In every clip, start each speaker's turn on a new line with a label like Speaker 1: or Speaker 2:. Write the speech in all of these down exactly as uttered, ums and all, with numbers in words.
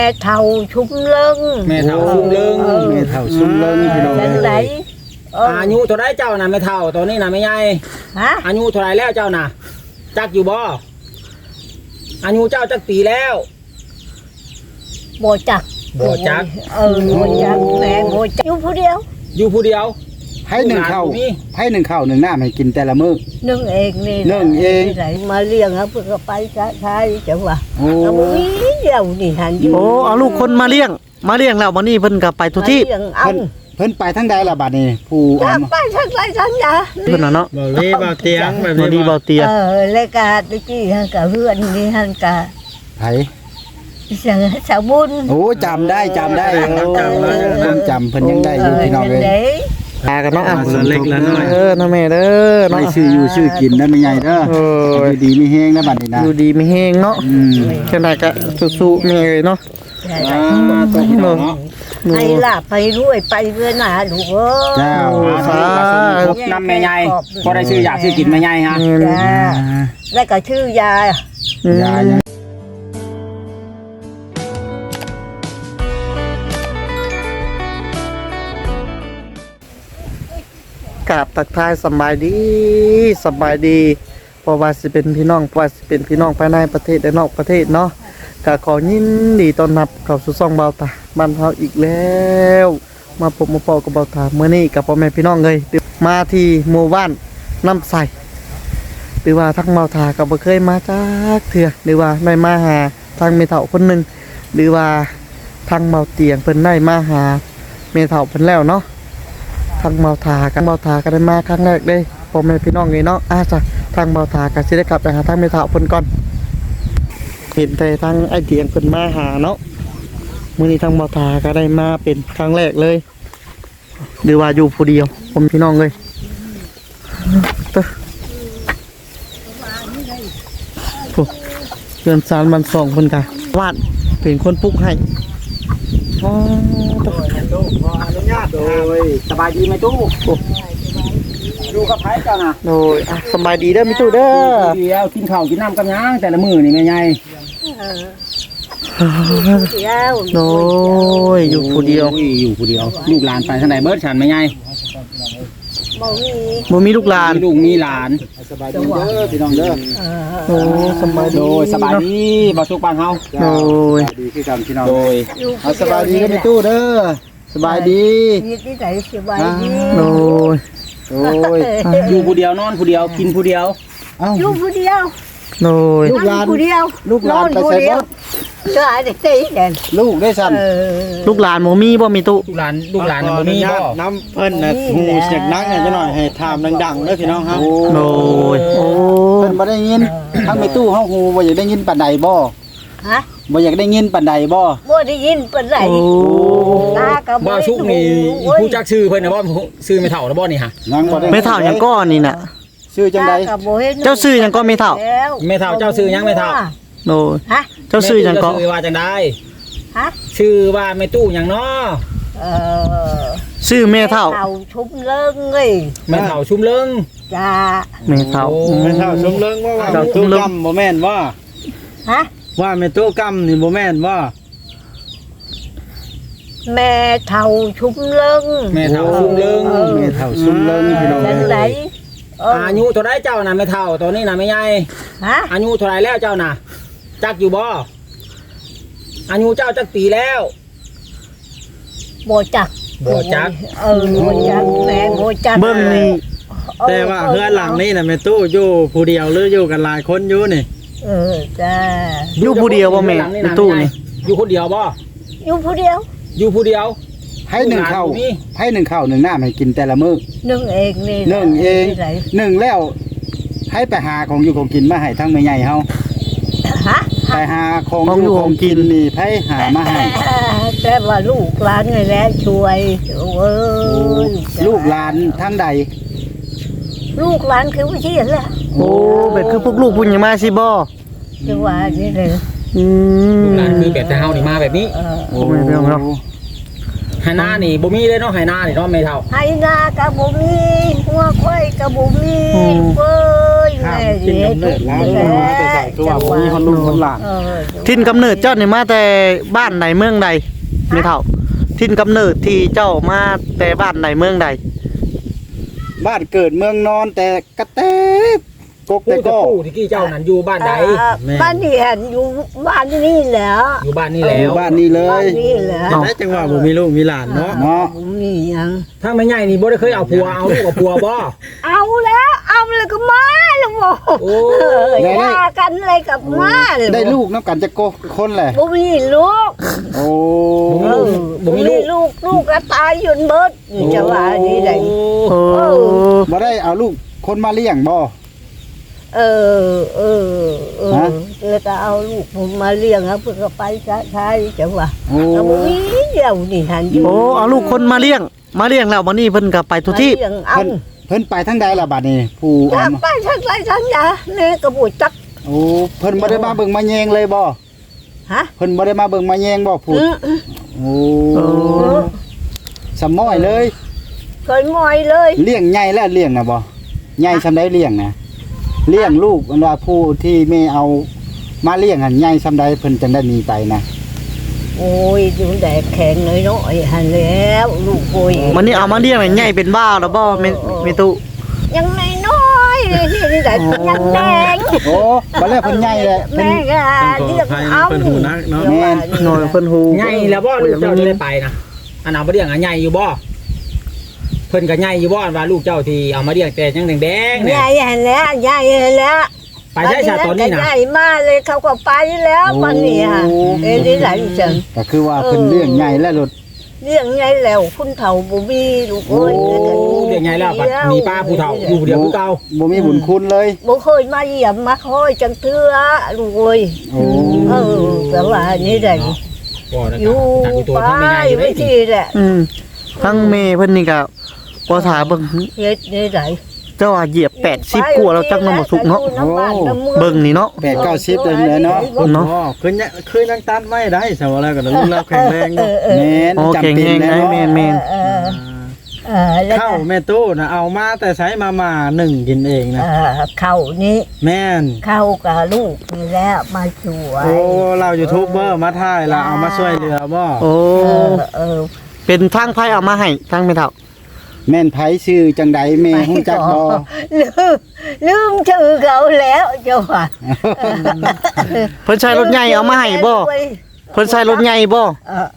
Speaker 1: แม่เท่าชุ่มเลิง
Speaker 2: แม่เฒ่าชุ่มเลิง
Speaker 3: แม่เฒ่าชุ่มเลิงพี่น้อง
Speaker 1: จังได
Speaker 2: อายุเท่าไรเจ้าน่ะแม่เฒ่าตอนนี้น่ะแม่ใหญ่
Speaker 1: ฮะ
Speaker 2: อายุเท่าไรแล้วเจ้าน่ะจักอยู่บ่อายุเจ้าจักปีแล้ว
Speaker 1: บ่จัก
Speaker 2: บ่จัก
Speaker 1: เออบ่จักแม่บ่จักอยู่ผู้เดียว
Speaker 2: อยู่ผู้เดียว
Speaker 3: ให้หนึ่งข้าวให้หนึ่งข้าวหนึ่งน้ำให้กินแต่ละมื้อ
Speaker 1: นึ่งเองนี่
Speaker 3: นึ่งเอง
Speaker 1: มาเลี้ยงครับเพิ่นก็ไปใช้จังหวะ
Speaker 3: โอ้
Speaker 1: เดียวนี่หันอยู่
Speaker 4: โอ้เอาลูกคนมาเลี้ยงมาเลี้ยงแล้ววันนี้เพิ่นก็ไปทุกที่
Speaker 1: เลี้ยงเอา
Speaker 3: เพิ่นเพิ่นไปทั้งใดล่ะบัดนี้ผู้เอา
Speaker 1: ไปทั้งไรทั้งยา
Speaker 4: เพิ่นน่ะเนาะ
Speaker 2: บ่ดีบ่เตียงแบบ
Speaker 4: บ่ดี
Speaker 2: นี้
Speaker 4: บ่เตีย
Speaker 1: เออรายการตะกี้ฮันกับเพื่อนนี่ฮันกับ
Speaker 3: ไผ
Speaker 1: เสียงสาวบุญ
Speaker 3: โอ้จำได้จำได้จำได้เพิ่นจำเพิ่นยังได้อยู่พี่น้องเอ้ย
Speaker 4: พากันเนาะอ่ะ
Speaker 2: เล็กละน้อย
Speaker 4: เออน้าแม่เด้อเนาะ
Speaker 3: ไม่ชื่ออยู่ชื่อกินนะแม่ใหญ่เด้อ
Speaker 4: โอ้ย
Speaker 3: อยู่ดีมีแฮงนะบัดนี้นะ
Speaker 4: อยู่ดีมีแฮงเนาะ
Speaker 3: อืม
Speaker 4: จังได๋ก็สู้ๆแม่เอ้ยเนาะ
Speaker 2: อ่าตัวพี่น้องเนาะ
Speaker 1: ไปล่ะไปรวยไปเพื่อนหาลูกเอ้ย
Speaker 3: เจ้า
Speaker 4: สา
Speaker 2: ครบนำแม่ใหญ่บ่ได้ชื่ออยากชื่อกินแม่ใหญ่ฮะ
Speaker 1: จ้าแล้วก็ชื่อยา
Speaker 4: อืม
Speaker 3: ยายัง
Speaker 4: กราบตักทายสำบายดีสำบายดีเพราะว่าสิเป็นพี่น้องเพราะว่าสิเป็นพี่น้องภายในประเทศและนอกประเทศเนาะก็ขอยินดีต้อนรับเข้าสู่ช่องเบาตาบ้านเฮาอีกแล้ว มาพบมาพอกับเบาตามื้อนี้กับพ่อแม่พี่น้องเลยมาที่หมู่บ้านน้ำใสหรือว่าทั้งเบาตาก็บ่เคยมาจักเทื่อหรือว่าได้มาหาทางแม่เฒ่าคนหนึงหรือว่าทางเบาเตียงเพิ่นได้มาหาแม่เฒ่าเพิ่นแล้วเนาะ ทางเบาทากันเบาทากันได้มาครั้งแรกเลยพ่อแม่พี่น้องเลยเนาะอาจ้ะทางเบาทากันสิได้กลับไปหาทางแม่เฒ่าเพิ่นก่อนเห็นแต่ทางไอ้เตียงเพิ่นมาหาเนาะมื้อนี้ทางเบาทาก็ได้มาเป็นครั้งแรกเลยหรือว่าอยู่ผู้เดียวผมพี่น้องเลยเต้อโอ้เดือนสามวันสองเพิ่นกะวาดเป็นคนปลุกให้อ๋อเต้อ
Speaker 2: ตู้ขออนุญาตโดยสบายดีไหมตู้อยู่กับไผเจ้าน่ะ
Speaker 4: โดยอ่ะสบายดีเด้อมิตู้เด้อ
Speaker 2: เดียวกินข้าวกินน้ำกับหยังแต่ละมื้อนี่แม่ใหญ่
Speaker 1: เดียว
Speaker 4: โดยอยู่ผู้เดียว
Speaker 2: โอ้อยู่ผู้เดียวลูกหลานไปทางใดเบิดฉันแม่ใหญ่
Speaker 1: บ่มี
Speaker 4: บ่มีลูกหลาน
Speaker 2: มีลูกมีหลาน
Speaker 3: สบายดีเด้อพี่น้องเด้อ
Speaker 4: โอ้สบายดี
Speaker 2: โดยสบายดีบ่สุกบ้านเฮา
Speaker 4: โดย
Speaker 3: สบายดีคือกันพี่น้อง
Speaker 2: โดย
Speaker 3: เอาสบายดีกันในตู้เด้อสบายดี
Speaker 1: มีที่ไหนสบายดี
Speaker 4: โดย
Speaker 3: โอ้ย
Speaker 2: อยู่ผู้เดียวนอนผู้เดียวกินผู้เดียว
Speaker 3: เอ้า
Speaker 1: อยู่ผู้เดียว
Speaker 4: โดย
Speaker 3: ลูกหลาน
Speaker 1: ผู้เดียว
Speaker 3: ลูกหลานไปใส่บ่
Speaker 1: เจ้าไอ้เด็กตีเด่น
Speaker 3: ลูกได้สั่น
Speaker 1: เออ
Speaker 4: ลูกหลานบ่มีบ่มีตุ
Speaker 2: ลูกหลานลูกหลานน่ะบ่มีบ่
Speaker 3: น้ำเพิ่นน่ะหูเสียงนักเนี่ยจะหน่อยให้ถามดังๆเด้อพี่น้องครับ
Speaker 4: โดยโอ้
Speaker 3: เพิ่นบ่ได้ยินทั้งในตู้เฮาหูบ่อยากได้ยินปานใดบ่
Speaker 1: ฮะ
Speaker 3: บ่อยากได้ยินปานใดบ่
Speaker 1: บ่ได้ยินปานไหน
Speaker 4: โอ้
Speaker 1: ตากับ
Speaker 2: บ่สุกนี่ผู้จักชื่อเพิ่นน่ะบ่ชื่อไม่เฒ่านะบ่นี่ฮะ
Speaker 3: ยังบ่ได้
Speaker 4: ไม่เท่าหยังก้อนนี่น่ะ
Speaker 3: ชื่อจังได๋
Speaker 4: เจ้าชื่อหยังก็ไม่เท่า
Speaker 2: แม่เฒ่าเจ้าชื่อหยังแม่เฒ่า
Speaker 4: โดย
Speaker 1: ฮะ
Speaker 4: เจ้าชื่อหยังก็
Speaker 2: แม่ตู้เจ้าชื่อว่าจังได๋
Speaker 1: ฮะ
Speaker 2: ชื่อว่าแม่ตู้หยังเนาะ
Speaker 1: เออ
Speaker 4: ชื่อแม่เท่า
Speaker 1: เท่าชุบเลิงเลย
Speaker 2: แม่เฒ่าชุมเลิง
Speaker 1: จ้า
Speaker 4: แม่เท่า
Speaker 2: โอ้
Speaker 4: อืม
Speaker 3: แม่เฒ่าสมเริงว่าว่า
Speaker 4: เฒ่าส
Speaker 3: ตู้
Speaker 4: มเริง
Speaker 3: กำบ่แม่นว่า
Speaker 1: ฮะ
Speaker 3: ว่าแม่ตู้กำนี่บ่แม่นว่า
Speaker 1: แม่เท่าชุบเลิง
Speaker 2: แม่เฒ่าชุมเลิง
Speaker 3: แม่เฒ่าสมเริงพี่น้อง
Speaker 1: จังไดเออ
Speaker 2: อายุเท่าไรเจ้าน่ะแม่เฒ่าตอนนี้น่ะแม่ใหญ่
Speaker 1: ฮะ
Speaker 2: อายุเท่าไรแล้วเจ้าน่ะจักอยู่บ่อายุเจ้าจักปีแล้ว
Speaker 1: บ่จัก
Speaker 2: บ่จัก
Speaker 1: เออบ่จักแม่บ่จัก
Speaker 4: เบิ่งนี่
Speaker 5: แต่ว่าเพื่อนหลังนี่น่ะแม่ตู้อยู่ผู้เดียวหรืออยู่กันหลายคนอยู่นี่
Speaker 1: เออจ้า
Speaker 4: อยู่ผู้เดียวบ่แม่ในตู้นี่
Speaker 2: อยู่คนเดียวบ่
Speaker 1: อยู่ผู้เดียว
Speaker 2: อยู่ผู้เดียว
Speaker 3: ให้หนึ่งข้าวให้หนึ่งข้าวหนึ่งน้ำให้กินแต่ละมื้อ
Speaker 1: นึ่งเองนี่
Speaker 3: นึ่งเอง
Speaker 1: ที่ไหน
Speaker 3: หนึ่งแล้วให้ไปหาของอยู่ของกินมาให้ทั้งแม่ใหญ่เฮา
Speaker 1: ฮะ
Speaker 3: ไปหาของอยู่ของกินนี่ให้หามาให้
Speaker 1: แต่ว่าลูกหลานไงแหละช่วยโอ้ย
Speaker 3: ลูกหลานทั้งใด
Speaker 1: ลูกหลานคือว่าเชี่ยแหละ
Speaker 4: โอ้แบบคือพวกลูกพุ่นยังมาสิบ่
Speaker 1: จังหวะนี้เลย
Speaker 4: อืม
Speaker 2: ลูกหลานคือแบบแต่เฮานี่มาแบบนี้
Speaker 1: เออ
Speaker 3: โอ้
Speaker 4: ไม่เป็นไรหรอก
Speaker 2: ไหหน้านี่บ่มีเลยเนาะไหหน้านี่เนาะแม่เฒ่า
Speaker 1: ไห้นากะบ่มีหัวควายกะบ่มีเว้ยแม่เฮ็ดทุกอย่างแล้ว
Speaker 2: คือว่าบ่มีคนลุงคนหลาน
Speaker 1: เออ
Speaker 4: ทินกำเนิดเจ้านี่มาแต่บ้านใดเมืองใดไม่เท่าทินกำเนิดที่เจ้ามาแต่บ้านใดเมืองใด
Speaker 3: บ้านเกิดเมืองนอนแต่กระเตกก
Speaker 2: ปู่
Speaker 3: แต่
Speaker 2: จะ
Speaker 3: ก็
Speaker 2: ปู่ที่กี้เจ้านั้นอยู่บ้านใด
Speaker 1: บ้านนี่หันอยู่บ้านนี่แหละ
Speaker 2: อยู่บ้านนี่แล้
Speaker 3: อยู่
Speaker 2: ว
Speaker 3: บ้านนี้เล
Speaker 1: บ้าน
Speaker 3: ย
Speaker 1: นี่แหละ
Speaker 5: จังได๋จังว่าบ่มีลูกมีหลานเนาะ
Speaker 3: เนาะ
Speaker 1: บ่มีหยัง
Speaker 2: ถ้าไม่ใหญ่นี่บ่ได้เคยเอาผัวเอาลูกกับผัวบ่
Speaker 1: เอาแล้วเอาแล้วก็มาแล้วบ่
Speaker 2: โอ้
Speaker 1: เออว่ากันอะไรกับมาเลย
Speaker 3: ได้ลูกน้ำกันจะโกคนแหละ
Speaker 1: บ่มีลูก
Speaker 3: โอ้
Speaker 1: เออบ่มีลูกลูกก็ตายอยู่เบิดนี่จะว่านี่ได้
Speaker 4: โอ้
Speaker 3: บ่ได้เอาลูกคนมาเลี้ยงบ่
Speaker 1: เออเออเออ
Speaker 3: ฮะ
Speaker 1: เออจะเอาลูกผมมาเลี้ยงครับเพื่อก็ไปใช้จังหวะ
Speaker 3: โอ้
Speaker 1: เอาบ่มีเดียวนี่หันอยู่
Speaker 4: โอ้เอาลูกคนมาเลี้ยงมาเลี้ยงแล้ววันนี้เพิ่นก็ไปทุกที่
Speaker 1: มาเลี้ยงเอา
Speaker 3: เพิ่นเพิ่นไปทั้งใดล่ะบัดนี้ ผู้
Speaker 1: จะ
Speaker 3: เอามา
Speaker 1: ไปทั้งไรทั้งยาเนี่ยกระบุจัก
Speaker 3: โอ้เพิ่นบ่ได้มาเบิ่งมาแยงเลยบ่
Speaker 1: ฮะ
Speaker 3: เพิ่นบ่ได้มาเบิ่งมาแยงบ่ผู้
Speaker 1: อืม
Speaker 3: โอ้
Speaker 4: โอ้
Speaker 3: สมอยเลย
Speaker 1: เคยมอยเลย
Speaker 3: เลี้ยงใหญ่แล้วเลี้ยงน่ะบ่ใหญ่ซำใดเลี้ยงน่ะเลี้ยงลูกอันว่าผู้ที่แม่เอามาเลี้ยงหันใหญ่ซำใดเพิ่นจังได้หนีไปนะ
Speaker 1: โอ้ยดูแดดแข็งน้อยน้อยหันแล้วลูกโอย
Speaker 4: วันนี้เอามาเลี้ยงใหญ่เป็นบ้าแล้วบ่แม่แม่ตุ
Speaker 1: ยังน้อยๆนี่นี่ได้ยังแดง
Speaker 3: โอ้บ่แล้วเพิ่นใหญ่แล้วเพิ่น
Speaker 1: แม่ก็เรียกเอา
Speaker 5: เพิ่นหูนักเนาะ
Speaker 4: หน่อยเพิ่นฮู้
Speaker 2: ใหญ่แล้วบ่ลูกเจ้าที่ได้ไปนะอันเอามาเลี้ยงอ่ะใหญ่อยู่บ่เพิ่นก็ใหญ่อยู่บ่อันว่าลูกเจ้าที่เอามาเลี้ยงแต่ยังแดงๆ
Speaker 1: ให
Speaker 2: เนี่ย
Speaker 1: ญ่หันแล้วใหญ่แล้ว
Speaker 2: ไปใช้ชาตอนนี้นะ
Speaker 1: ใหญ่มากเลยเขาก็ไปแล้ววันนี้ฮะเอ็นนี่ไหลจัง
Speaker 3: ก็คือว่าเพิ่นเลี้ยงใหญ่แล้วรถ
Speaker 1: เรื่องไงแล้วคุณเฒ่าบ่มีลูกเอ้ย
Speaker 3: โอ้
Speaker 2: เลี้ยงใหญ่แล้วบัดมีป้าผู้เฒ่าอยู่ผู้เดียวคือเก่า
Speaker 3: บ่มีบุญคุณเลย
Speaker 1: บ่เคยมาเยี่ยมมาคอยจังเทื่อลูกเอ้ย
Speaker 3: โอ้
Speaker 1: เออแต่ว่านี่ได้
Speaker 2: บ่นะ
Speaker 1: อยู่
Speaker 2: จากอยู่ตัว
Speaker 1: ไป
Speaker 2: ทั้งไม่ใหญ่อยู่เล
Speaker 1: ไม่
Speaker 2: ย
Speaker 1: ทีแหละ
Speaker 4: อืมทั้งแม่เพิ่นนี่ก็บ่ถาเบิ่ง
Speaker 1: เฮ็ดนี่ได้
Speaker 4: เจ้าว่าเหยียบแปดสิบกว่าแล้วจักน้ำบ่สุกเนาะเบิ่งนี่เนาะ
Speaker 3: แปดเก้าสิบเลยเนาะ
Speaker 4: เนาะ
Speaker 5: อ๋อคือยังคือยังตัดไม่ได้สาวแล้วก็ลูกเราแข็งแรง
Speaker 1: เอ
Speaker 5: เนาะ
Speaker 1: อเออ
Speaker 3: แม่น
Speaker 4: โอ้
Speaker 3: จำ
Speaker 4: เก่ง
Speaker 3: เป็น
Speaker 4: แฮง
Speaker 3: แล้
Speaker 4: ได้
Speaker 3: ว
Speaker 4: แม่นแม่น
Speaker 1: เออเออแล้ว
Speaker 5: ข้าวแม่ตู้นะเอามาแต่ใช้มามาหนึ่งกินเองนะ
Speaker 1: เออเข้านี่
Speaker 5: แม่น
Speaker 1: เข้ากับลูกนี่แล้วมาช่วย
Speaker 5: โอ้เรายูทูบเบอร์มาถ่ายเราเอามาช่วยเหลือบ่
Speaker 4: โอ้
Speaker 1: เออเออ
Speaker 4: เป็นทางไผเอามาให้ทางแม่เฒ่า
Speaker 3: แม่นไผชื่อจังใดแม่ฮู้จักบ่
Speaker 1: ลืมลืมชื่อเขาแล้วเจ้าค่ะ
Speaker 4: เพิ่นใช้รถใหญ่เอามาให้บ่เพิ่นใช้รถใหญ่บ่
Speaker 1: เออ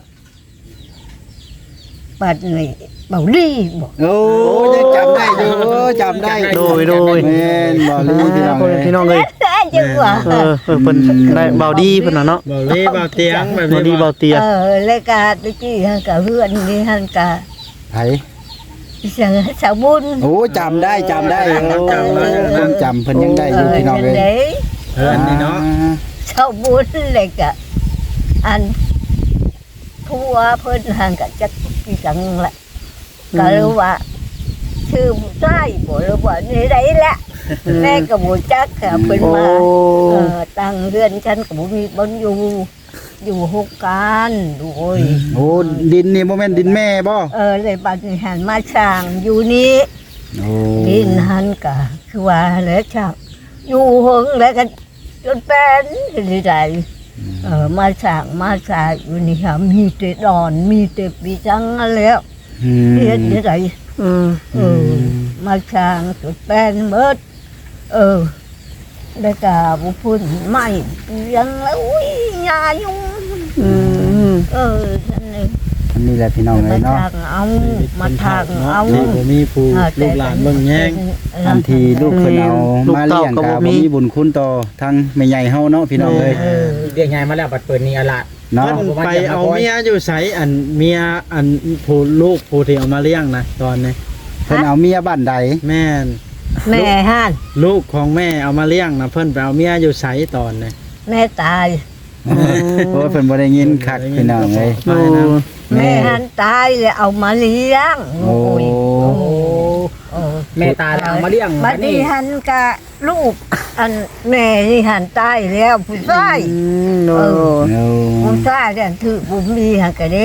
Speaker 1: บัดนี้เบาดีบ่
Speaker 3: โอ้ยังจำได้อยู่โอ้จำได้
Speaker 4: โดยโดย
Speaker 3: แม่นบ่ลืมพี่น้อง
Speaker 4: พ่อ
Speaker 3: เอ้
Speaker 4: แม่
Speaker 3: ย
Speaker 4: พี่น้องเอ้ย
Speaker 1: ได้จังหวะ
Speaker 4: เออเออเพิ่นได้เบาดีเพิ่นน่ะเนาะ
Speaker 5: เบาเล่เบาเตียงแบบ
Speaker 4: เบาดี
Speaker 5: นี้
Speaker 4: เบาเตีย
Speaker 1: เออรายการตะกี้ฮันกับเพื่อนนี่ฮันกับ
Speaker 3: ไผ
Speaker 1: เสียงสาวบุญ
Speaker 3: โอ้จำได้จำได้โอ้ความจำเพิ่นยังได้อยู่พี่น้องเอ้ย
Speaker 1: เด้
Speaker 5: เพื่อนนี่เนาะ
Speaker 1: สาวบุญเลยกะอันผัวเพิ่นฮันกับจักกี่จังละก็รู้ว่าชื่อผู้ชายบ่รู้ว่านี่ได้ละแม่ก็บ่จักค่ะเพิ่น
Speaker 4: โอ้
Speaker 1: มาเออตั้งเรือนฉันก็บ่มีบ่อยู่ อยู่หกการดูโอ้ย
Speaker 3: โอ้ดินนี่บ่แม่นดินแม่บ่
Speaker 1: เออเลยบัดนี้หันมาช่างอยู่นี่
Speaker 3: โอ้
Speaker 1: ดินหันกะคือว่าแล้วช่างอยู่หงแล้วกันจนเป็นที่ใดเออมาช่างมาช่างอยู่นี่ค่ะมีแต่ดอนมีแต่ปีจังแล้ว
Speaker 3: อืม
Speaker 1: เฮ็ดที่ใด
Speaker 4: อืม
Speaker 1: เออมาช่างจนเป็นเบิดเออแล้วก็บุพุ่นไม่ยังแล้วอุ้ยยายุ่ง
Speaker 4: อืม
Speaker 1: เออนั่นเอง
Speaker 3: อันนี้แหละพี่น้อง
Speaker 1: มา
Speaker 3: เอ้ยเนาะ
Speaker 1: ทางเอามาทางเอา
Speaker 5: นี่บ่มีผู้ลูกหลานเบิ่งแย่ง
Speaker 3: อันที่ลูกเพิ่นเอามาเลี้ยงก็บ่มีบุญคุณต่อทั้งแม่ใหญ่เฮาเนาะพี่น้องเอ้ย
Speaker 1: เออ
Speaker 2: เลี้ยงใหญ่มาแล้วบัดเปิดนี่อะล่ะ
Speaker 3: เนาะ
Speaker 5: เพิ่นไปเอาเมียอยู่ไสอันเมียอันผู้ลูกผู้ที่เอามาเลี้ยงนะตอนนี้
Speaker 3: เพิ่นเอาเมียบ้านใด
Speaker 5: แม่น
Speaker 1: แม่ห้าน
Speaker 5: ลูกของแม่เอามาเลี้ยงนะเพิ่นไปเอาเมียอยู่ไสตอนนี้
Speaker 1: แม่ตาย
Speaker 3: เพราะว่าเพิ่นบ่ได้ยินคักพี่น้องเอ้ย
Speaker 5: ไปนะ
Speaker 1: แม่หันตายเลยเอามาเลี้ยง
Speaker 3: โอ้
Speaker 1: ยโอ้โอ้
Speaker 2: แม่ตาเอามาเลี้ยง
Speaker 1: บัดนี้หันกะลูกอันแม่นี่หันตายแล้วผู้ชาย
Speaker 4: อืมโอ้
Speaker 3: โอ้
Speaker 1: ผู้ชายเนี่ยถือบุญมีหันกะเด้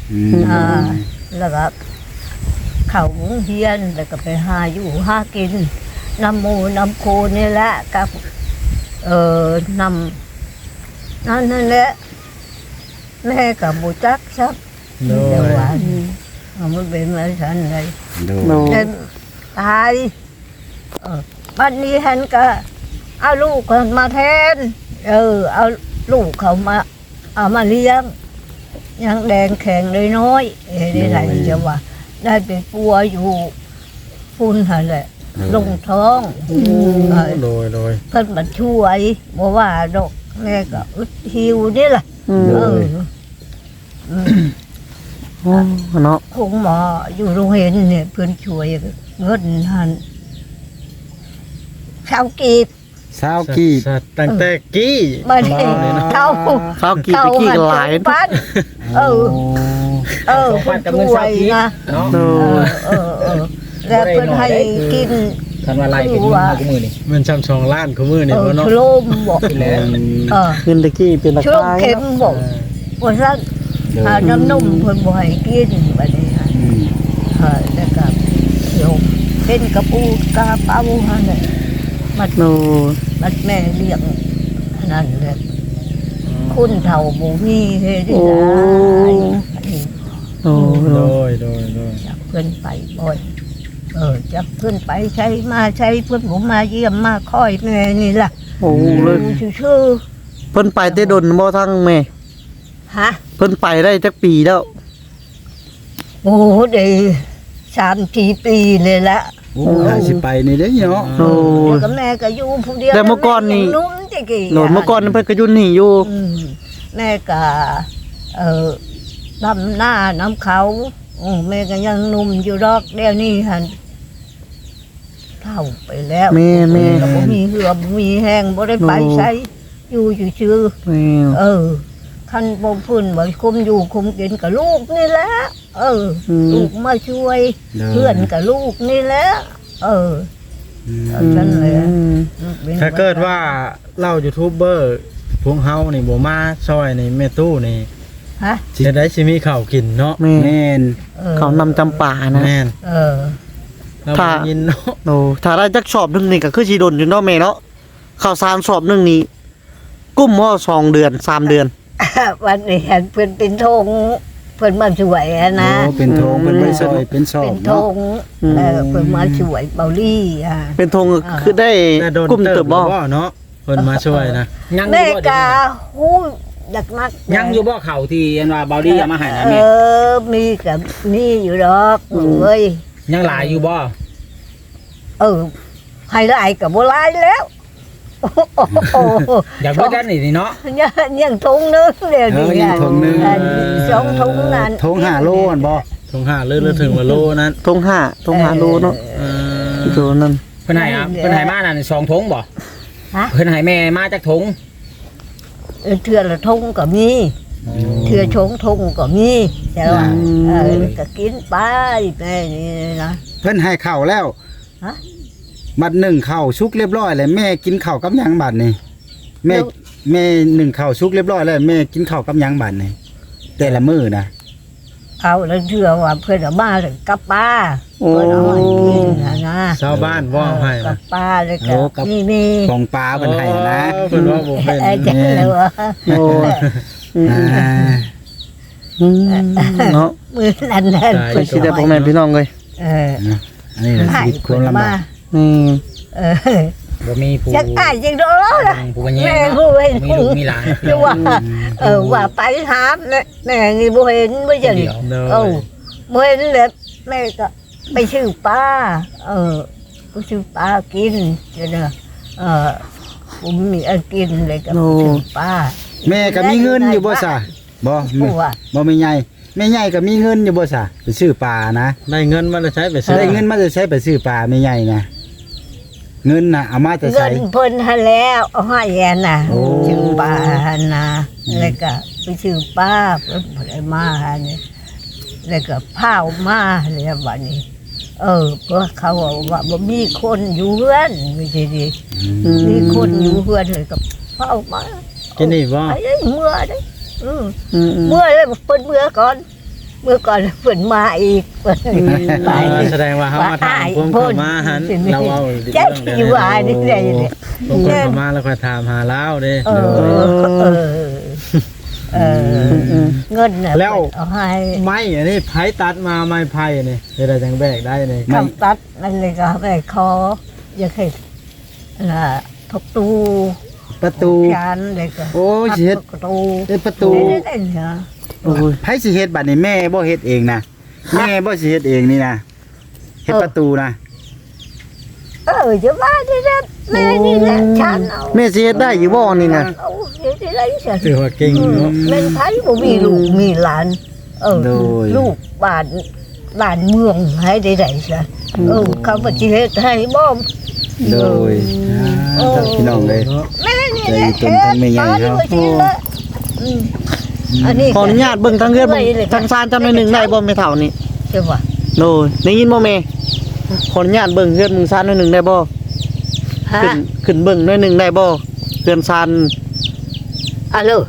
Speaker 3: อืม
Speaker 1: อ่าแล้วก็เข้าโรงเรียนแล้วก็ไปหาอยู่หากินน้ำหมูน้ำโคนี่แหละกับเอ่อนำนั่นนั่นแหละแม่กับบุจักซับ
Speaker 5: โด
Speaker 1: เดี๋ย
Speaker 5: ยว
Speaker 1: ว่าเอามันเป็นมาสันเลย
Speaker 3: โดย
Speaker 4: โดย
Speaker 1: เดินตายเออบ้านนี้ฮันก็เอาลูกเขามาแทน เออ เอาลูกเขามา เอามาเลี้ยง ยังแดงแข็งเลยน้อยเอ้ยได้ไรจะว่า ได้ไปปัวอยู่ฝุ่นหันแหละลงท้องเออ
Speaker 5: โดยโดย
Speaker 1: เพิ่นมาช่วยบอกว่าดอกแม่ก็อึดหิวนี่แหละ
Speaker 4: อืม
Speaker 1: เอออืม
Speaker 4: โอ้เนาะ
Speaker 1: คงหมออยู่โรงเรียนเนี่ยเพื่อนช่วยเงินหันข้าวกีบ
Speaker 3: สาวกีบ
Speaker 5: สัตว์ตั้งแต่กี้
Speaker 1: มาได้
Speaker 5: ว้าวเลยเนาะ
Speaker 1: เข้า
Speaker 4: ข้าวกี่ตะกี้ก็หลาย
Speaker 1: ปันเออ เออเพื่อนช่วยนะ
Speaker 2: เนาะ
Speaker 4: โด
Speaker 1: เออย เออเออแล้วเพื่อนให้กิน
Speaker 2: คันว่าไล่เป็นมากูมือนี่
Speaker 5: มันช้ำสองล้านคู่มือ
Speaker 1: เอ
Speaker 5: นี่
Speaker 1: อ
Speaker 5: บ่เนาะ
Speaker 1: ชโลมบอก
Speaker 2: แล้ว
Speaker 1: เออ
Speaker 4: เงินตะกี้เป็นรา
Speaker 1: ชโลม
Speaker 4: คา
Speaker 1: เข็มบอกว่าซั่นหาน้ำนมเพิ่นบ่ให้กินบัดนี้ฮะ
Speaker 3: อืม
Speaker 1: เออแล้วก็เดี๋ยวเป็นกระปูกระเป๋าหั่นน่ะมัด
Speaker 4: โดย
Speaker 1: มัดแม่เลี้ยงอันนั่นแหละคุณเฒ่าบ่มีเฮ็ดได้
Speaker 4: โอ้
Speaker 1: อันนี้
Speaker 4: โดย
Speaker 5: โด
Speaker 4: โดย
Speaker 5: ยโดยโดย
Speaker 1: จับเพื่อนไปบ่อยเออจับเพื่อนไปใช้มาใช้เพื่อนผมมาเยี่ยมมาคอยแม่นี่ล่ะ
Speaker 4: โอ้เลย
Speaker 1: ดูชื่อ
Speaker 4: เพิ่นไปได้ดนบ่ทั้งแม่
Speaker 1: ๆฮะ
Speaker 4: เพิ่นไปได้จักปีแล้ว
Speaker 1: โอ้โหเดีสามสี่ปีเลยละ
Speaker 3: โอ้ยสิไปนี่เด้เนาะ
Speaker 4: โด
Speaker 1: เดี๋ยวย กับแม่ก็อยู่ผู้เดียว
Speaker 4: แต่เมื่อก่อนนี่
Speaker 1: แม่ยังนุ่มจิกี้
Speaker 4: โดยเมื่อก่อนเพิ่นก็อยู่นี่อยู่
Speaker 1: อืมแม่ก็เออดำหน้าน้ำเขาโอ้แม่ก็ยังหนุ่มอยู่ดอกเดี๋ยวนี้หันเท่าไปแล้ว
Speaker 4: แม่แม่
Speaker 1: ก็บ่มีเหือบ่มีแห้งบ่ได้ไป
Speaker 4: โอ้
Speaker 1: ใช้อยู่ชื่อ
Speaker 4: แม่
Speaker 1: ๆเออคันบ่พื้นบ่คุมอยู่คุมกินกับลูกนี่แหละเอออลูกมาช่วย เพื่อนกับลูกนี่แหละเออเอาฉันเลยอะ
Speaker 4: อืม
Speaker 5: ถ้าเกิดว่าเล่ายูทูบเบอร์พวกเฮานี่บ่มาซอยนี่แม่ตู้นี่
Speaker 1: ฮะ
Speaker 5: จะได้สิมีข้าวกินเนาะ
Speaker 4: แม่
Speaker 3: แม่น
Speaker 1: ออ
Speaker 4: เขานำจำป่านะ
Speaker 5: แม่น
Speaker 1: เออ
Speaker 5: เรา
Speaker 4: ถ้า
Speaker 5: บ่ยินเนาะ
Speaker 4: โอ้ถ้าได้จักสอบหนึงนี่ก็คือสิดนอยู่เนาะแม่เนาะข้าวสารสอบหนึงนี่กุ้มหม้อสองเดือนสามเดือน
Speaker 1: วันนี้เห็นเพิ่นเป็นธงเพิ่นมาช่วยอะนะ
Speaker 3: โอ้เป็นโทงเป็นใบซอยเป็นซอ
Speaker 1: เป็
Speaker 3: บ
Speaker 1: นธ
Speaker 3: เนาะ
Speaker 1: งเออเพิ่นมาช่วยเบาลี่อ่ะ
Speaker 4: เป็นธง
Speaker 1: อ่า
Speaker 4: คือได้
Speaker 5: แต่โดน
Speaker 4: กุ้ม
Speaker 5: เติ
Speaker 4: เติ
Speaker 5: บบ
Speaker 4: บ่
Speaker 5: บ่เนาะเพิ่นมาช่วยนะ
Speaker 2: ยังอ
Speaker 1: แม่
Speaker 2: ยู่บ่
Speaker 1: กาฮู้อยากนัก
Speaker 2: ยังอยู่บ่เข่าที่อันว่าเบาดี้เอามาให้นะ
Speaker 1: เอ
Speaker 2: แม่
Speaker 1: อมีกับมีอยู่ดอกเอ้ย
Speaker 2: ยังหลายอยู่บ่
Speaker 1: เออให้หลายกับบ่หลายแล้วโอ้โห
Speaker 2: อยากเบิดกันนี่นี่เนาะ
Speaker 1: ยังยังถุงนึงเดี๋ยว
Speaker 3: เอ
Speaker 1: นี้
Speaker 3: อยังถุงนึง
Speaker 1: อันสองถุงนั้น
Speaker 3: ทงห้าโลอันบ่
Speaker 5: ทงห้าเลือดถึงว่าโลนั้น
Speaker 4: ธงห้าธงห้าโลเนาะ
Speaker 5: เออ
Speaker 4: โลนั่น
Speaker 2: เพิ่นให้อ่ะเพิ่นให้มานั่นสองถุงบ่
Speaker 1: ฮะ
Speaker 2: เพิ่นให้แม่มาจากถุง
Speaker 1: เออเทื่อละถุงก็มีเทื่อชงถุงก็มีแต่ว่าเออก็กินไปแม่นี่นะ
Speaker 3: เพิ่นให้ข้าวแล้ว
Speaker 1: ฮะ
Speaker 3: บัดหนึ่งข้าวชุกเรียบร้อยแล้วแม่กินข้าวกับหยังบัดนี่แม่แม่หนึ่งข้าวชุกเรียบร้อยแล้วแม่กินข้าวกับหยังบัดนี่แต่ละมื้อนะ
Speaker 1: เอาแล้วเทื่อว่าเพื่อนเอามาเลยกับป้า
Speaker 4: โอ้
Speaker 1: เพื่อนเอาให้กินนะนะ
Speaker 5: ชาวบ้านว่าให้
Speaker 1: กั
Speaker 5: นะ
Speaker 1: บป้าเลยกับนี่มี
Speaker 3: ของปลาเพิ่นให้นะ
Speaker 5: เออเพิ่นว่าบ่เป็น
Speaker 1: ไอ้จังเลยวะ
Speaker 4: โอ้อืม
Speaker 3: อ่า
Speaker 4: อืมเนาะ
Speaker 1: มือนั่นนั่น
Speaker 4: ไปสิได้พ่อแม่พี่น้องเลย
Speaker 1: เออ
Speaker 3: อันนี้แหละชีวิตความลำบาก
Speaker 4: อืม
Speaker 1: เออ
Speaker 2: บ่มีผู้
Speaker 1: จังอ้ายจังโดนแล้วล่ะ
Speaker 2: ผู้กันแย่
Speaker 1: แม่
Speaker 2: เนาะ
Speaker 1: ผู้เห็น
Speaker 2: มีลูกมีหลาน
Speaker 1: คือว่าเออว่าไปหาแม่แม่นี่บ่เห็นบ่จัง
Speaker 2: เดียว
Speaker 5: เน
Speaker 1: เออย บ่เห็นเลยแม่ก็ไปซื้อปลาเออไปซื้อปลากินจะเด้อเออผมมีอันกินเลยก็ไปซื้อปลา
Speaker 3: แม่ก็มีเงินอยู่บ่ซะบ่
Speaker 1: ผัว
Speaker 3: บ่แม่ใหญ่แม่ใหญ่ก็มีเงินอยู่บ่ซะไปซื้อปลานะ
Speaker 5: ได้เงินมาแล้วใช้ไปซื้อ
Speaker 3: ได้เงินมาจะใช้ไปซื้อปลาแม่ใหญ่นะเงินน่ะเอามาจะ
Speaker 1: เงิ
Speaker 3: ใช้
Speaker 1: นเพิ่นหาแล้วเอาให้แอนน่ะ
Speaker 3: โอ้
Speaker 1: ซื้อปลาหันน่ะแล้วก็ไปซื้อปลาเพิ่นบ่ได้มาหันนี่แล้วก็พาวมาแล้วบัดนี้ เออเพราะเขาว่าว่าบ่มีคนอยู่เฮือนไม่ใช่ดิ
Speaker 4: อืม
Speaker 1: มีคนอยู่เฮือนเลยก็พาวมา
Speaker 5: กินนี่บ่
Speaker 1: ไอ้เมื่อเด้อเออ
Speaker 4: อืมอืม
Speaker 1: เมื่อเลยเพิ่นเมื่อก่อนเมื่อก่อนเพิ่นมาอีกเพิ่นไป
Speaker 5: เออแสดงว่าเฮามาถามพวกเขามาหันเราเอา
Speaker 1: แจ๊สิว่านี่ได้เนี่ย
Speaker 5: พวกเขามาแล้วค่อยถามหาเราเด้
Speaker 1: เออเออเออเงินน่ะเอาให้
Speaker 5: ไม้อันนี้ไผตัดมาไม้ไผ่นี่เฮ็ดได้จังแบกได้นี่
Speaker 1: คำตัดนั่นเลยก็ไปขออย่าเคยล่ะทกตู
Speaker 3: ประตู
Speaker 1: จานเลยก็
Speaker 3: โอ้ยสิเฮ็ด
Speaker 1: ประตู
Speaker 3: เฮ็ดประตู
Speaker 1: ได้ได้เหรอ
Speaker 3: โอ้ยไผสิเฮ็ดบัดนี้แม่บ่เฮ็ดเองนะแม่บ่สิเฮ็ดเองนี่นะเฮ็ดประตูนะ
Speaker 1: เออจะว่าได้แล้วแม่นี่แหละฉันเอา
Speaker 4: แม่สิเฮ็ดได้อยู่บ่นี่นะ
Speaker 1: เอาเดี๋ยวได้ฉัน
Speaker 5: ถือว่าเก่งเนาะ
Speaker 1: แม่นไทยบ่มีลูกมีหลานเออ
Speaker 3: โดย
Speaker 1: ลูกบ้านบ้านเมืองให้ได้ได้ซะเออเขาบ่สิเฮ็ดให้บ่
Speaker 3: โดย
Speaker 1: โอ้
Speaker 3: อ่าพี่น้องเลย
Speaker 1: แม่นี่แหละ
Speaker 3: ใจจนทั้งแม่ใหญ่เนาะ
Speaker 1: เฮ็ดบ้อืมอันนี้
Speaker 4: ขออนุญาตเบิ่งทางเฮือนเบิ่งทางซานจำหน่อยหนึงได้บ่แม่เฒ่านี่
Speaker 1: ใช่ป่ะ
Speaker 4: โดยได้ยินบ่แม่ขออนุญาตเบิ่งเฮือนมึงซานหน่อยหนึงได้บ่
Speaker 1: ฮะ
Speaker 4: ขึ้นขึ้นเบิ่งหน่อยหนึงได้บ่เฮือนซาน
Speaker 1: อะโล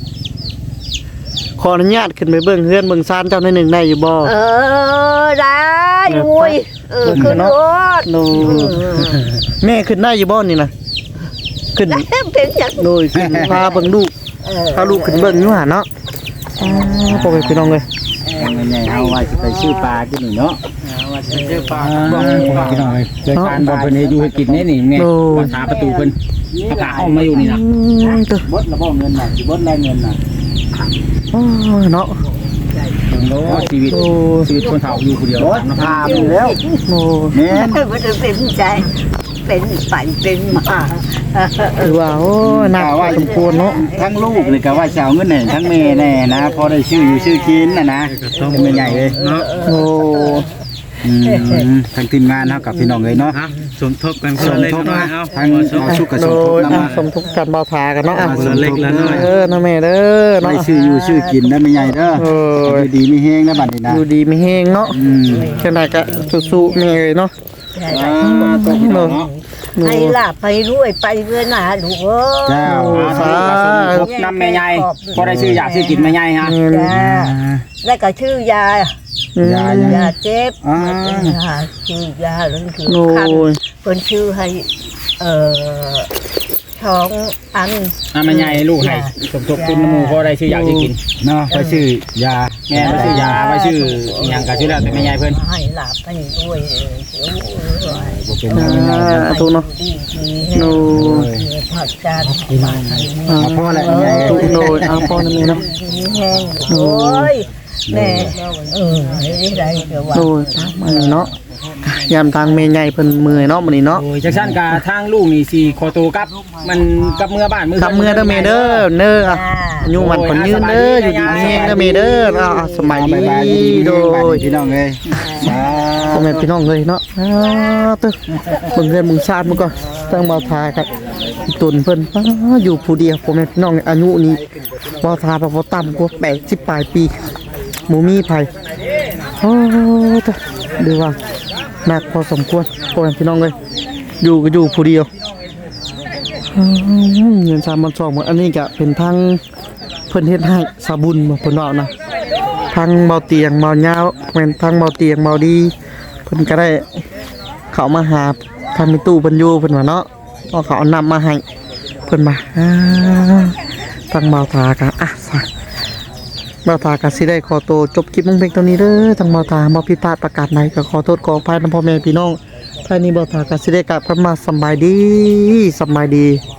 Speaker 4: ขออนุญาตขึ้นไปเบิ่งเฮือนเบิ่งซานเจ้าหน่อยหนึงได้อยู่บ่
Speaker 1: เออได้อุ้ยเออขึ้นรถ
Speaker 4: โดยแม่ขึ้นได้อยู่บ่นี่นะขึ้น
Speaker 1: แล้วเป็นจัง
Speaker 4: โดยขึ้นพาเบิ่งลูก
Speaker 1: เออ
Speaker 4: พาลูกขึ้นเบิ่งอยู่หั่นเนาะอ๋อพ่อแม่พี่น้องเอ้ย
Speaker 3: แม่ใหญ่เฮาว่าสิไปซื้อปลากินนี่เนาะ
Speaker 5: เจอปลา
Speaker 2: บอกพี่น้องเลยเกิดการบ่เพิ่นอยู่ให้กินนี่นี่แม่ภาษาประตูเพิ่นอากาศห้องมาอยู่นี่นะ
Speaker 4: อืมเด้อบ
Speaker 3: ดระบ่เงินน่ะสิบดแลเงินน่ะ
Speaker 4: อ๋อเนาะ
Speaker 2: โอ้ชีวิตชีวิตคนเฒ่าอยู่ผู้เดียว
Speaker 3: บดถามแล้ว
Speaker 4: โอ้
Speaker 3: แม่น
Speaker 1: มันจะเป็นใจเป็นไปเป็นมา
Speaker 4: ถือว่าโอ้หนักพอสมควรเนาะ
Speaker 3: ทั้งลูกเลยก็ว่าสิเอาเงินให้ทั้งแม่แน่นะพอได้ชื่ออยู่ชื่อกินน่ะนะเป็นแม่ใหญ่เลย
Speaker 5: เนาะ
Speaker 4: โอ้
Speaker 3: อืมทั้งทีมงานเฮากับพี่น้องเลยเนาะ
Speaker 5: ฮะสมทบกันค
Speaker 3: ส
Speaker 5: น
Speaker 3: ม
Speaker 5: ละเล็ก
Speaker 3: ทบ
Speaker 5: น้อ
Speaker 3: นะ
Speaker 5: ยเอา
Speaker 3: ทั้งเอาชุกกับ
Speaker 4: โด
Speaker 3: สมทบ
Speaker 4: ย
Speaker 3: นำ
Speaker 4: อ่ะ
Speaker 3: มา
Speaker 4: สมทบกันเบาทากันเนาะอ่ะ
Speaker 5: ส่วนเล็กละน้อย
Speaker 4: เออนะแม่เด้อเนาะ
Speaker 3: ได้ชื่ออยู่ชื่อกินนะแม่ใหญ่เด้อ
Speaker 4: เออ
Speaker 3: อยู่ดีมีแฮงนะบัดนี้นะ
Speaker 4: อยู่ดีไม่แห้งเนาะ
Speaker 3: อืม
Speaker 4: แค่ไหนก็สู้ๆแม่เลยเนาะ
Speaker 3: อ่าตัวพี่น้องเนาะ
Speaker 1: ให้ลาไปรวยไปเรื่อยหนาลูกเอ้
Speaker 3: เจ้า
Speaker 4: สา
Speaker 2: ครบน้ำแม่ใหญ่พอได้ชื่ออยากชื่อกินแม่ใหญ่ฮะ
Speaker 1: จ้าแล้วก็ชื่อยา
Speaker 4: อืม
Speaker 3: ยาย
Speaker 1: าเจ็บ
Speaker 3: อ่า
Speaker 1: ยาชื่อยาแล้วคือ
Speaker 4: โอ้
Speaker 1: คัน
Speaker 4: ย
Speaker 1: คนชื่อให้เอ่อท้องอัน
Speaker 2: น้ำแม่ใหญ่ลูกให้สมทบทุนน้ำหมูพอได้ชื่ออยากชื่อกิน
Speaker 3: เนาะไปชื่อยา
Speaker 2: แม่ไม่ชื่อยาไม่ชื่ออหย่างก็ชื่อแล้วแต่แม่ใหญ่เพิ่น
Speaker 1: ให้ลาไปรวยเออเดี๋ยวรวย
Speaker 3: บ่เป็น
Speaker 4: อ่
Speaker 3: หยังไง
Speaker 4: าถูกเนาะ
Speaker 1: ดีดี
Speaker 4: โอ้ย
Speaker 1: ผัดจานมาให้
Speaker 4: อ่า
Speaker 3: เอาพ่อแหละแม่ใหญ่
Speaker 4: ถูกโดยเอาพ่อนั่นเองเนาะ
Speaker 1: ดีแห้งโอ้ยแม่เออให้ได้เดี๋ยวว่า
Speaker 4: โดยตามมานี่เนาะยามทางแม่ใหญ่เพิ่นเมื่อยเนาะมื้อนี้เนาะ
Speaker 2: โอ้ยจักซั่นกะทางลูกนี่สิขอตัวกลับ มันกลับเมื่อบ้านมื้อ
Speaker 4: กับเมื่อเด้อแม่เด้อเด้ออ่ะอายุมันคนยืนเด้ออยู่ดีมีแฮงเด้อแม่เด้ออ่าสมัย
Speaker 3: เอา
Speaker 4: ดี
Speaker 3: บายดี
Speaker 4: โด
Speaker 3: โดย
Speaker 4: ย
Speaker 3: พี่น้องเอ้ยสา
Speaker 4: พ่อแม่พี่น้องเลยเนาะอ้าวตึเบิ่งเรือนเบิ่งชาติมันก็ตั้งมาทากับตุนเพิ่นอ้าอยู่ผู้เดียวพ่อแม่พี่น้องอายุนี้บ่ทาบ่บ่ต่ำกว่าแปดสิบปลายปีหมู่มีไผโอ้ตึดูว่าหนักพอสมควรพ่อแม่พี่น้องเลยอยู่ก็อยู่ผู้เดียวอืมเงินสามพันสองอันนี้ก็เป็นทางเพิ่นเฮ็ดให้สาบุญบ่เพิ่นว่านะ ทางเบาเตียงเบายาวแม่นทางเบาเตียงเบาดีเพิ่นก็ได้เขามาหาทางมีตู้เพิ่นอยู่เพิ่นว่าเนาะเอาเขาเอานำมาให้เพิ่นมาอ่าทางเบาตาก็อ่ะซะเบาตาก็สิได้ขอตัวจบคลิปลงเพียงเท่านี้เด้อทางเบาตาบ่ผิดพลาดประกาศใดก็ขอโทษขออภัยนำพ่อแม่พี่น้องท่านี้เบาตาก็สิได้กลับกันมาสำบายดีสำบายดี